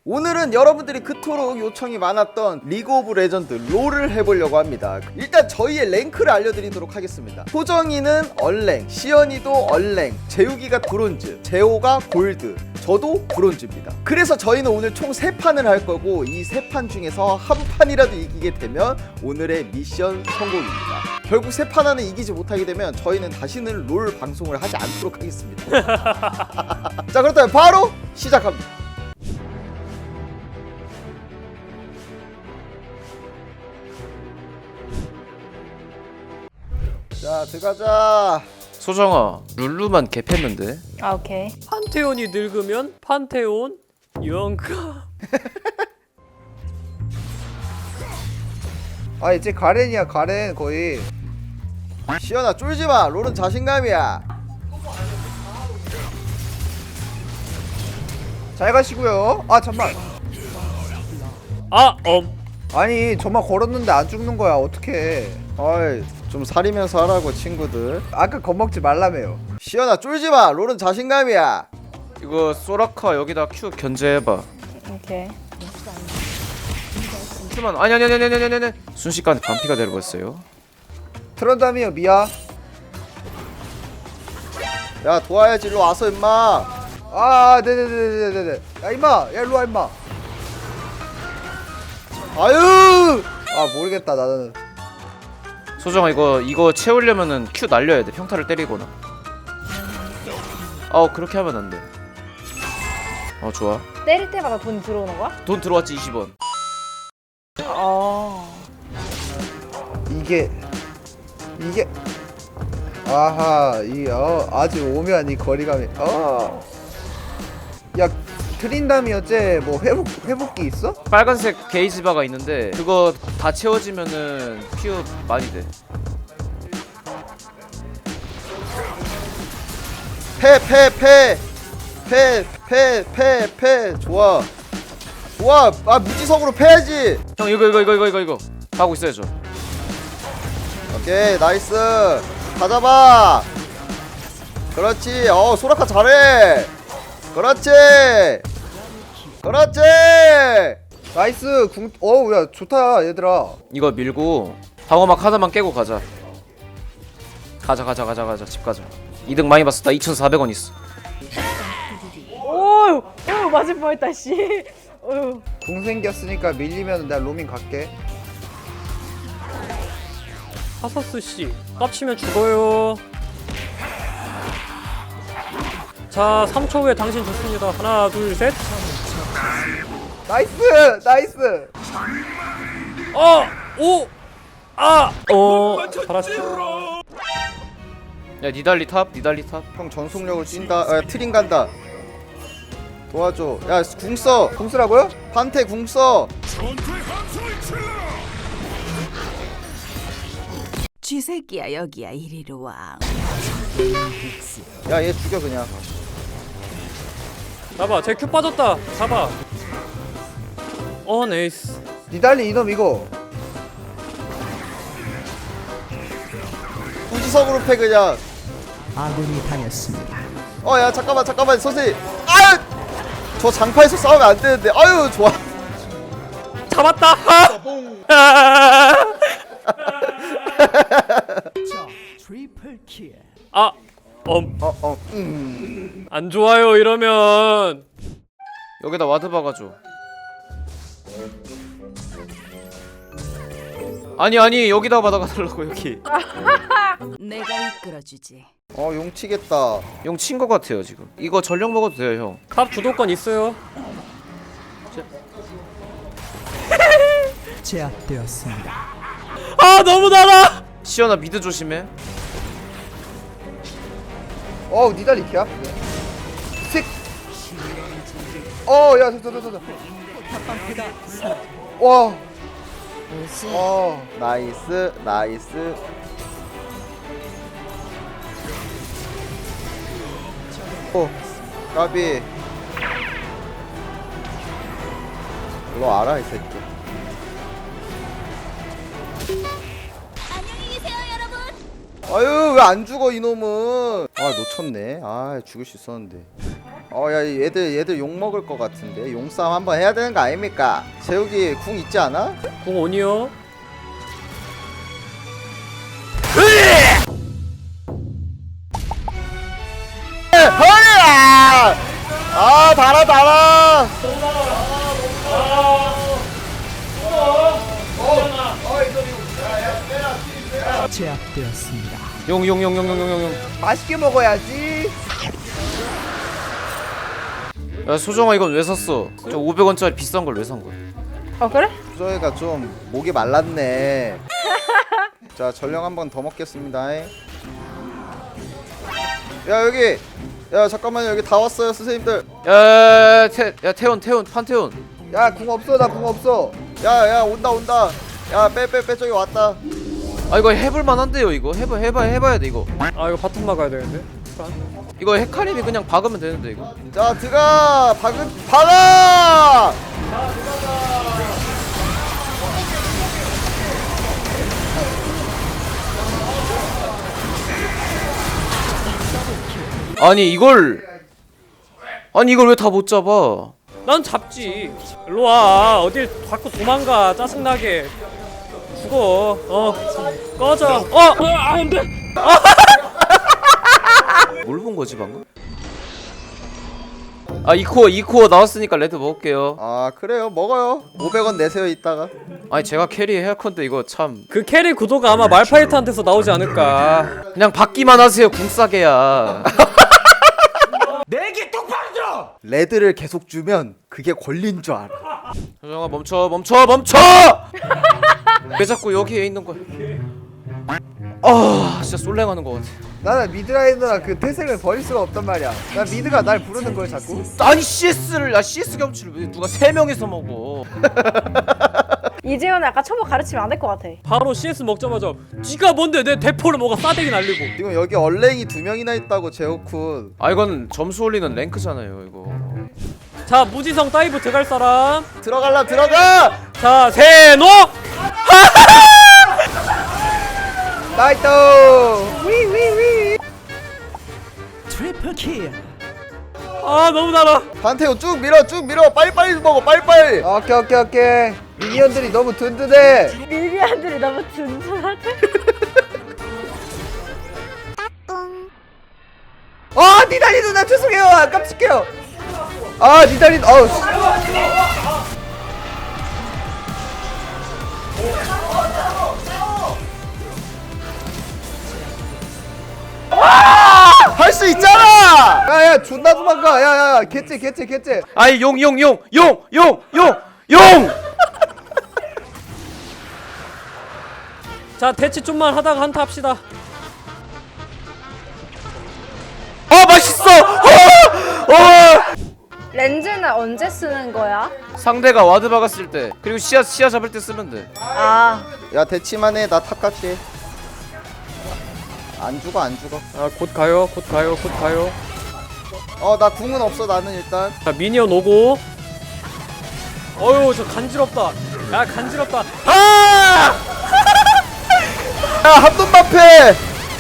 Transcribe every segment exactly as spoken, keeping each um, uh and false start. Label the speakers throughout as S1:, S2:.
S1: 오늘은 여러분들이 그토록 요청이 많았던 리그 오브 레전드 롤을 해보려고 합니다. 일단 저희의 랭크를 알려드리도록 하겠습니다. 소정이는 얼랭, 시연이도 얼랭, 재욱이가 브론즈, 재호가 골드, 저도 브론즈입니다. 그래서 저희는 오늘 총 세 판을 할 거고 이 세 판 중에서 한 판이라도 이기게 되면 오늘의 미션 성공입니다. 결국 세 판 안에 이기지 못하게 되면 저희는 다시는 롤 방송을 하지 않도록 하겠습니다. 자, 그렇다면 바로 시작합니다. 자, 들어가자.
S2: 소정아, 룰루만 개팼는데.
S3: 아, 오케이.
S4: 판테온이 늙으면 판테온 영가.
S5: 아 이제 가렌이야 가렌 거의.
S1: 시연아, 쫄지마. 롤은 자신감이야.
S5: 잘 가시고요. 아 잠만.
S4: 아, 엄.
S5: 아니 저만 걸었는데 안 죽는 거야 어떡해.
S1: 어이, 좀 사리면서 하라고 친구들.
S5: 아까 겁먹지 말라며요.
S1: 시연아, 쫄지마. 롤은 자신감이야.
S2: 이거 소라카 여기다 Q 견제해봐.
S3: 오케이.
S2: 큐만 아니 아니 아니 아니 아니 아니 순식간에 반피가 되어버렸어요.
S5: 트런다미요 미야.
S1: 야, 도와야지. 일로 와서 임마.
S5: 아 네네네네네네. 야 임마 야 일로와 임마.
S1: 아유.
S5: 아 모르겠다 나는.
S2: 소정아, 이거 이거 채우려면은 Q 날려야 돼. 평타를 때리거나. 아, 그렇게 하면 안 돼. 어, 좋아.
S3: 때릴 때마다 돈 들어오는 거야?
S2: 돈 들어왔지. 이십 원.
S3: 어.
S5: 이게 이게 아하 이 어 아주 오묘한 이 거리감이 어. 야 트린다미 어째 뭐 회복 회복기 있어?
S2: 빨간색 게이지 바가 있는데 그거 다 채워지면은 Q 많이 돼.
S1: 패, 패, 패. 패, 패, 패, 패. 좋아. 좋아. 아, 무지성으로 패야지.
S2: 형, 이거 이거 이거 이거 이거 이거 하고 있어야죠.
S1: 오케이, 나이스. 다 잡아. 그렇지. 어, 소라카 잘해. 그렇지. 그렇지.
S5: 나이스 궁. 어우 야 좋다 얘들아.
S2: 이거 밀고 방어막 하나만 깨고 가자. 가자 가자 가자 가자 집 가자. 이득 많이 봤어. 나 이천사백 원 있어.
S3: 오유, 오유 맞을 뻔했다 씨. 오유.
S5: 궁 생겼으니까 밀리면 내가 로밍 갈게.
S4: 하사스 씨, 깝치면 죽어요. 자, 삼 초 후에 당신 좋습니다. 하나, 둘, 셋.
S5: 나이스 나이스.
S4: 어, 오, 아, 어, 잘하시죠.
S2: 야, 니달리 탑, 니달리 탑.
S1: 형 전속력을 뛴다. 아, 트림 간다. 도와줘. 야, 궁 써.
S5: 궁 쓰라고요?
S1: 판테 궁 써.
S6: 쥐새끼야 여기야 이리로 와.
S1: 야, 얘 죽여 그냥.
S4: 잡아, 제 큐 빠졌다. 잡아. 어, 네이스.
S5: 니달리 이놈 이거.
S1: 무지성으로 패 그냥.
S7: 아군이 당했습니다.
S1: 어, 야, 잠깐만, 잠깐만, 선생님. 아유, 저 장파에서 싸우면 안 되는데. 아유, 좋아.
S4: 잡았다.
S7: 자, 트리플 킬.
S4: 아, 엄,
S1: 어, 어, 음.
S4: 안 좋아요 이러면.
S2: 여기다 와드 박아줘. 아니 아니 여기다 받아가달라고 여기.
S6: 내가 이끌어주지.
S1: 어, 용 치겠다.
S2: 용 친 거 같아요 지금. 이거 전력 먹어도 돼요 형.
S4: 컵 주도권 있어요.
S7: 제압되었습니다.
S4: 아, 너무 달아.
S2: 시연아 미드 조심해.
S5: 어우 니달리 개 아프네. 색. 어야 저저저저. 와. 어.
S1: 나이스, 나이스. 오, 까비. 일로 와라, 이 새끼. 아유, 왜 안 죽어 이놈은. 아, 놓쳤네. 아, 죽일 수 있었는데. 어야 얘들 얘들 욕 먹을 것 같은데 용싸움 한번 해야 되는 거 아닙니까? 재욱이 궁 있지 않아?
S4: 공 온이요.
S1: 허리야! 아 달아 달아.
S7: 제압되었습니다.
S2: 용용용용용용용.
S5: 맛있게 먹어야지.
S2: 야 소정아 이건 왜 샀어? 저 오백 원짜리 비싼 걸 왜 산 거야?
S3: 어 그래?
S1: 저희가 좀 목이 말랐네. 자 전령 한 번 더 먹겠습니다. 야 여기 야 잠깐만요 여기 다 왔어요 선생님들.
S2: 야, 태, 야 태원 태원 판태원.
S5: 야 궁 없어 나 궁 없어.
S1: 야야 온다 온다. 야 빼 빼 빼 저기 왔다.
S2: 아 이거 해볼 만한데요 이거 해봐 해봐 해봐야 돼 이거.
S4: 아 이거 바텀 막아야 되는데.
S2: 이거 헤카림이 그냥 박으면 되는데 이거.
S1: 자 들어가 박은 박아.
S2: 아니 이걸 아니 이걸 왜 다 못 잡아?
S4: 난 잡지. 일로 와. 어딜 자꾸 도망가. 짜증나게. 죽어. 어. 꺼져. 어. 어 안돼.
S2: 뭘 본 거지 방금? 아 이코어 이코어 나왔으니까 레드 먹을게요.
S1: 아 그래요 먹어요. 오백 원 내세요 이따가.
S2: 아니 제가 캐리 해야 컨데 이거 참
S4: 그 캐리 구도가 아마 말파이트한테서 나오지 않을까.
S2: 그냥 받기만 하세요 궁싸게야.
S1: 레드를 계속 주면 그게 권리인 줄 알아.
S2: 소정아 멈춰 멈춰 멈춰! 왜 자꾸 여기에 있는 거야? 아 진짜 솔랭하는 거 같아.
S5: 나는 미드라이너랑 그 태생을 버릴 수가 없단 말이야. 나 미드가 날 부르는 걸 자꾸.
S2: 아니 씨에스를 아 씨에스 경치를 왜 누가 세 명이서 먹어?
S3: 이재현은 아까 초보 가르치면 안 될 것 같아.
S4: 바로 씨에스 먹자마자 니가 뭔데 내 대포를 먹어 싸대기 날리고.
S1: 지금 여기 얼랭이 두 명이나 있다고 제오쿤.
S2: 아 이건 점수 올리는 랭크잖아요 이거.
S4: 자 무지성 다이브 들어갈 사람.
S1: 들어갈라 들어가.
S4: 자 세노.
S5: 나이트.
S7: 트리플 킬.
S4: 아 너무 달아.
S1: 판테온 쭉 밀어 쭉 밀어 빨리빨리 먹어 빨리빨리.
S5: 오케이 오케이 오케이. 미니언들이 너무 든든해.
S3: 미리안들이 너무 든든하대.
S5: 아 니달리 누나 죄송해요. 아, 깜찍해요. 아 니달리 어우. 씨.
S1: 할 수 있잖아.
S5: 야야 존나 도망가. 야야야 개째 개째 개째.
S2: 아이 용 용 용 용 용 용 용.
S4: 자 대치 좀만 하다가 한타 합시다.
S2: 아 맛있어. 어! 어!
S3: 렌즈는 언제 쓰는 거야?
S2: 상대가 와드 박았을 때 그리고 시야 시야 잡을 때 쓰면 돼.
S3: 아
S1: 야 대치만 해 나 탑 갈게. 안 죽어 안 죽어.
S4: 아 곧 가요 곧 가요 곧 가요.
S1: 어 나 궁은 없어 나는 일단.
S4: 자 미니언 오고. 어휴 저 간지럽다. 야 간지럽다.
S2: 아!
S1: 야한 놈만 패.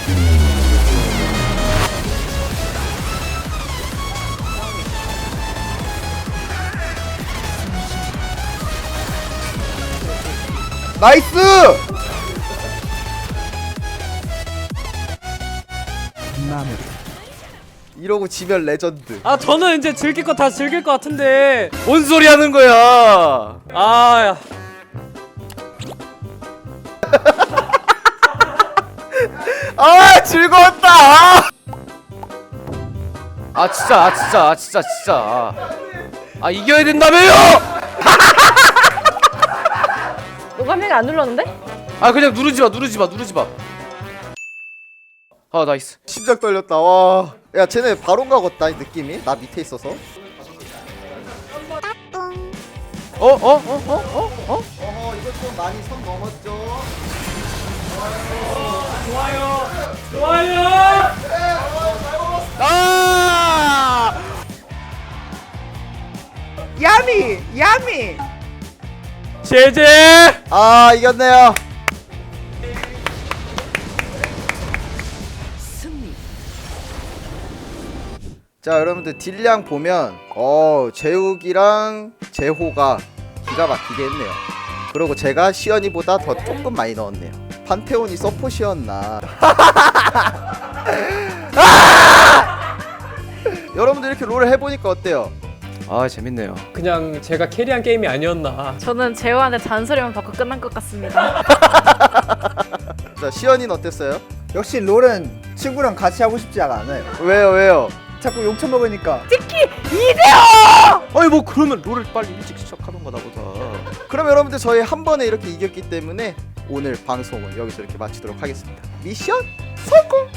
S5: 나이스.
S7: 마무리.
S1: 이러고 지면 레전드.
S4: 아 저는 이제 즐길 거 다 즐길 것 같은데.
S2: 뭔 소리 하는 거야?
S4: 아야.
S1: 아 즐거웠다. 아!
S2: 아 진짜 아 진짜 아 진짜 진짜 아, 아 이겨야 된다며요!
S3: 노가미가 안 눌렀는데?
S2: 아 그냥 누르지 마 누르지 마 누르지 마. 아 나이스.
S1: 심장 떨렸다. 와. 야 쟤네 바론 가겠다 느낌이. 나 밑에 있어서.
S2: 어 어 어 어 어 어? 어?
S1: 어허 이거 좀 많이 선 넘었죠.
S4: 좋아요.
S2: 아!
S5: 야미 야미.
S4: 제제.
S1: 아 이겼네요.
S6: 승리.
S1: 자 여러분들 딜량 보면 어 재욱이랑 재호가 기가 막히게 했네요. 그리고 제가 시연이보다 더 조금 많이 넣었네요. 판테온이 서폿이었나. 아! 여러분들 이렇게 롤을 해보니까 어때요?
S2: 아 재밌네요.
S4: 그냥 제가 캐리한 게임이 아니었나.
S3: 저는 재호한테 잔소리만 받고 끝난 것 같습니다.
S1: 자 시연이는 어땠어요?
S5: 역시 롤은 친구랑 같이 하고 싶지 않아요.
S1: 왜요 왜요?
S5: 자꾸 욕처 먹으니까.
S2: 아니 뭐 그러면 롤을 빨리 일찍 시작하던가 나보다.
S1: 그럼 여러분들 저희 한 번에 이렇게 이겼기 때문에 오늘 방송은 여기서 이렇게 마치도록 하겠습니다. 미션 성공!